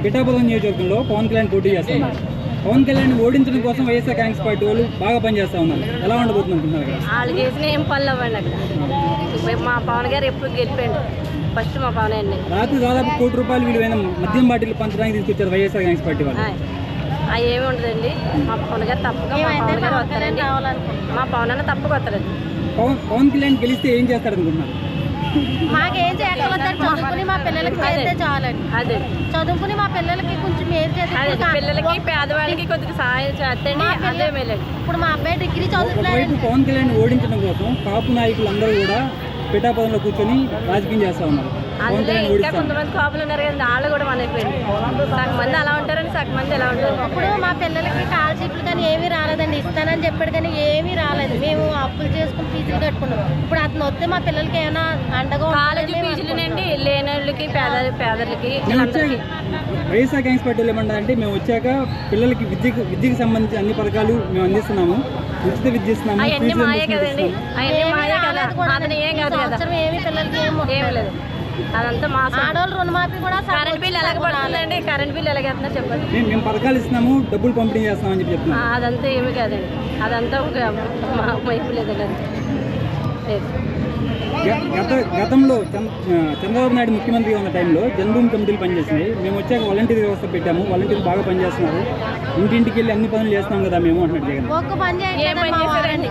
పిఠాపురం నియోజకవర్గంలో పవన్ కళ్యాణ్ పోటీ చేస్తున్నారు. పవన్ కళ్యాణ్ ఓడించడం కోసం వైఎస్ఆర్ కాంగ్రెస్ పార్టీ వాళ్ళు బాగా పనిచేస్తూ ఉన్నారు. ఎలా ఉండబోతుంది అనుకుంటున్నారు కదా? వాళ్ళు చేసిన ఏం పనులు అవ్వండి అక్కడ. మా పవన్ గారు ఎప్పుడు గెలిపాడు ఫస్ట్ మా పవన్ అండి. రాత్రి దాదాపు ₹1 కోటి విలువైన మద్యం బాటిల్ పంచడానికి తీసుకొచ్చారు వైఎస్ఆర్ కాంగ్రెస్ పార్టీ వాళ్ళు. అవి ఏమి ఉండదండి. మా పవన్ గారు తప్పగా మా పవన్ గారు వస్తారండి. మా పవన్ అన్న తప్పగా వస్తారండి. పవన్ కళ్యాణ్ గెలిస్తే ఏం చేస్తారు అనుకుంటున్నారు? మాకేం చేయగలుగుతారు? చదువుకుని మా పిల్లలకి చేస్తే చాలండి. అదే చదువుకుని మా పిల్లలకి కొంచెం ఏం చేస్తే పిల్లలకి పేదవాళ్ళకి కొద్దిగా సహాయం చేస్తండి. అదే మేలండి. ఇప్పుడు మా అబ్బాయి డిగ్రీ చదువుతున్నాడు. ఒకవైపు పవన్ కళ్యాణ్ ఓడించడం కోసం కాపు నాయకులు అందరూ కూడా పిఠాపురంలో కూర్చొని రాజకీయం చేస్తూ ఉన్నారు. అందులో ఇంకా కొంతమంది కాపులు ఉన్నారు కదండి, వాళ్ళు కూడా మనైపోయింది. సగం మంది అలా ఉంటారని సగం మంది ఎలా ఉంటారు. ఇప్పుడు మా పిల్లలకి స్కాలర్షిప్లు కానీ ఏమీ రాలేదండి. ఇస్తానని చెప్పాడు కానీ ఏమీ రాలేదు. మేము అప్పులు చేసుకుని ఫీజులు కట్టుకున్నాం. ఇప్పుడు అతను వస్తే మా పిల్లలకి ఏమైనా అండగా కాలేజీ ఫీజులునండి లేని వాళ్ళకి పేదలకి వైఎస్ఆర్ కాంగ్రెస్ పార్టీలు ఏమంటారంటే మేము వచ్చాక పిల్లలకి విద్యకు సంబంధించి అన్ని పథకాలు మేము అందిస్తున్నాము, ఉచిత విద్య ఇస్తున్నాము. అవన్నీ మాయే కదండి, అవన్నీ మాయే కదా. అతను ఏం కాదు కదా, ఏమి పిల్లలకి ఏం లేదు. అదంతా మా ఆడవాళ్ళు రుణమాఫీ కూడా కరెంట్ బిల్ ఎలాగ పడుతుందండి, కరెంట్ బిల్ ఎలాగేస్తున్నారు చెప్పండి. మేము పథకాలు ఇస్తున్నాము, డబ్బులు పంపిణీ చేస్తామని చెప్పి చెప్తున్నాం. అదంతా ఏమి కాదండి, అదంతా ఒక వైపు లేదండి, అంతే లేదు. గతంలో చంద్రబాబు నాయుడు ముఖ్యమంత్రిగా ఉన్న టైంలో జన్మభూమి కమిటీలు పనిచేసినాయి. మేము వచ్చాక వాలంటీర్ వ్యవస్థ పెట్టాము, వాలంటీర్లు బాగా పనిచేస్తున్నారు, ఇంటింటికి వెళ్ళి అన్ని పనులు చేస్తాం కదా మేము అంటున్నారు జగన్. ఏం పని చేశారండి?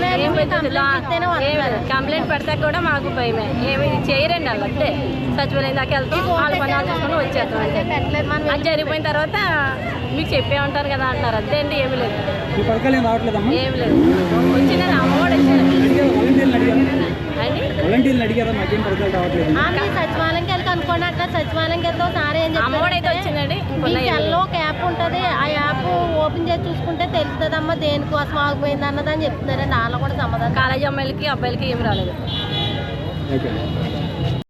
కంప్లైంట్ పెడతా కూడా మాకు భయమే, ఏమి చేయరండి వాళ్ళు. అంతే సచివాలయం దాకా వెళ్తాం, వాళ్ళ పనులు చూసుకొని వచ్చేస్తాం. అంటే అది జరిగిపోయిన తర్వాత మీకు చెప్పే ఉంటారు కదా అంటారు. అంతే అండి, ఏమి లేదు. ఈ పథకాలు ఏం రావట్లేదమ్మా? ఏమి లేదు. వచ్చిందని అమ్మఒడి వచ్చింది వాలంటీర్లు అడిగారా మాకేం పథకాలు రావట్లేదు? సచివాలయంకి వెళ్ళి కనుక్కోండి. అక్కడ సచివాలయంకి వెళ్తే సార్ ఏం అమ్మఒడి అయితే వచ్చిందండి. సెల్లో ఒక యాప్ ఉంటుంది, ఆ యాప్ ఓపెన్ చేసి చూసుకుంటే తెలుస్తుందమ్మా దేనికోసం ఆగిపోయింది అన్నదని చెప్తున్నారండి. వాళ్ళు కూడా సమాధానం. కాలేజీ అమ్మాయిలకి అబ్బాయిలకి ఏం రాలేదు. ఓకే.